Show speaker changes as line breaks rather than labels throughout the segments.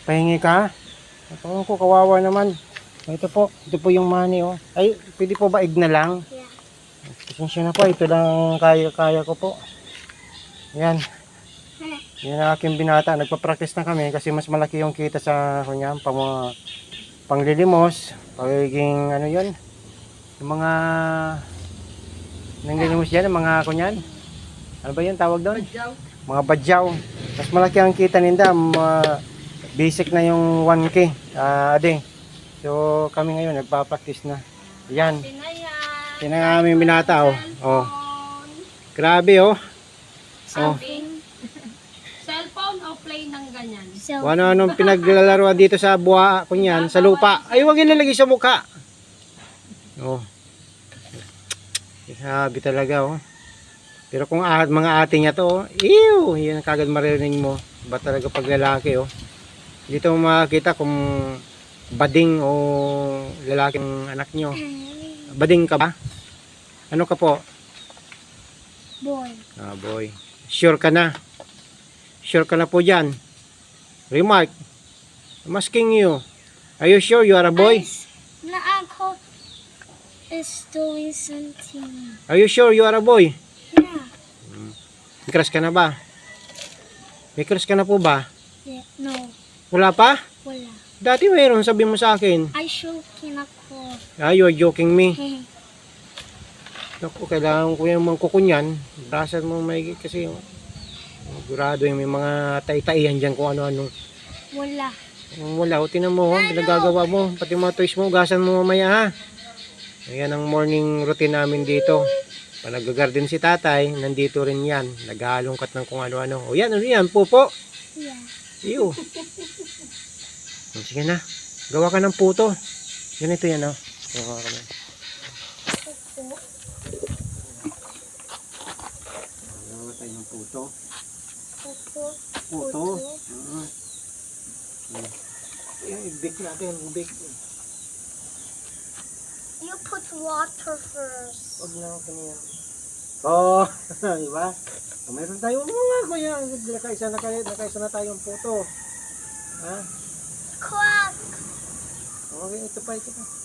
Pahingi ka? Ito ko, kawawa naman. Ito po yung money, oh. Ay, pwede po ba egg na lang?
Yeah.
Pasensya na po, ito lang kaya ko po. Yan. Yan ang aking binata. Nagpa-practice na kami kasi mas malaki yung kita sa kanya, panglilimos, pagiging ano yun, yung mga nanglilimos yan, mga kunyan. Ano ba yun tawag doon?
Badyaw.
Mga badyaw. Mas malaki ang kita ninda, basic na yung 1K ade. So kami ngayon nagpa-practice na. Yan. Yan ang aming binata, oh. Oh. Grabe, oh. Oh.
Cellphone o play ng ganyan?
So,
Anong pinaglalaroan dito sa buha, kunyan, sa lupa. Ay, huwag ilalagay sa mukha. Oh. Sabi talaga, oh. Pero kung mga ate niya to, oh, ew, yan kagad maririnig mo. Ba talaga pag lalaki, oh. Dito mo makakita kung bading o lalaking anak nyo. Bading ka ba? Ano ka po?
boy.
Ah, boy. Sure ka na? Sure ka na po dyan? Remark. I'm asking you. Are you sure you are a boy?
Na ako is doing something.
Are you sure you are a boy?
Yeah.
May crush ka na ba? May crush ka na po ba?
Yeah. No.
Wala pa?
Wala.
Dati mayroon, sabi mo sa akin.
Ay, joking ako.
Ah, you are joking me.
Hehe.
Naku, kailangan ko yung mga kukunyan. Brasan mo may kasi sigurado yung may mga tay-taihan dyan kung ano-ano.
Wala.
Wala, o tinan mo, pinagagawa mo. Pati mga toys mo, gasan mo mamaya ha. Ayan ang morning routine namin dito. Pag nag-garden si tatay, nandito rin yan. Naghalongkat ng kung ano-ano. O yan, ano yan, pupo.
Yeah.
Iyo. Sige na, gawa ka ng puto. Ganito yan, oh. Gawa ka na. Gawa tayo ng puto. Puto. Ayan, i-bake natin, i-bake.
You put water first.
Huwag na ako kanina. Oh, diba? So, meron tayo mga kuya. Nakaisa na tayong puto. Ha?
Quack.
Okay, ito pa.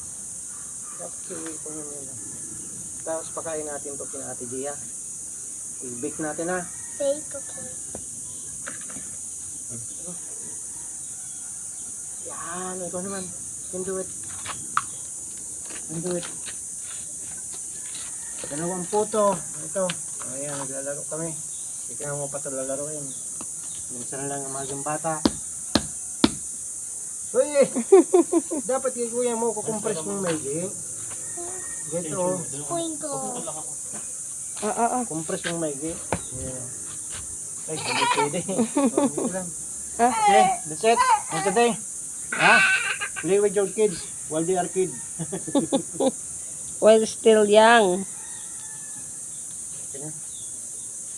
Tapos pakain natin ito kina Ate Gia. I-bake natin ha.
Bake, okay.
Yan, ikaw naman. Can do it. Dalawang puto. Ito. Ayan, naglalaro kami. Hindi ka mo pa ito lalaroin. Minsan lang ang magang bata. Uy! Dapat kay kuya mo kukumpres mong maigi. Dito.
Twinkle.
Kumpres mong maigi. Yeah. Ay, hindi pwede. Okay, that's it. And today, play with your kids while they are kids.
While still young.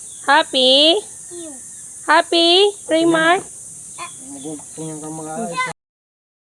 Happy?
Ew.
Happy, Raymar?
Magugtungan kang mga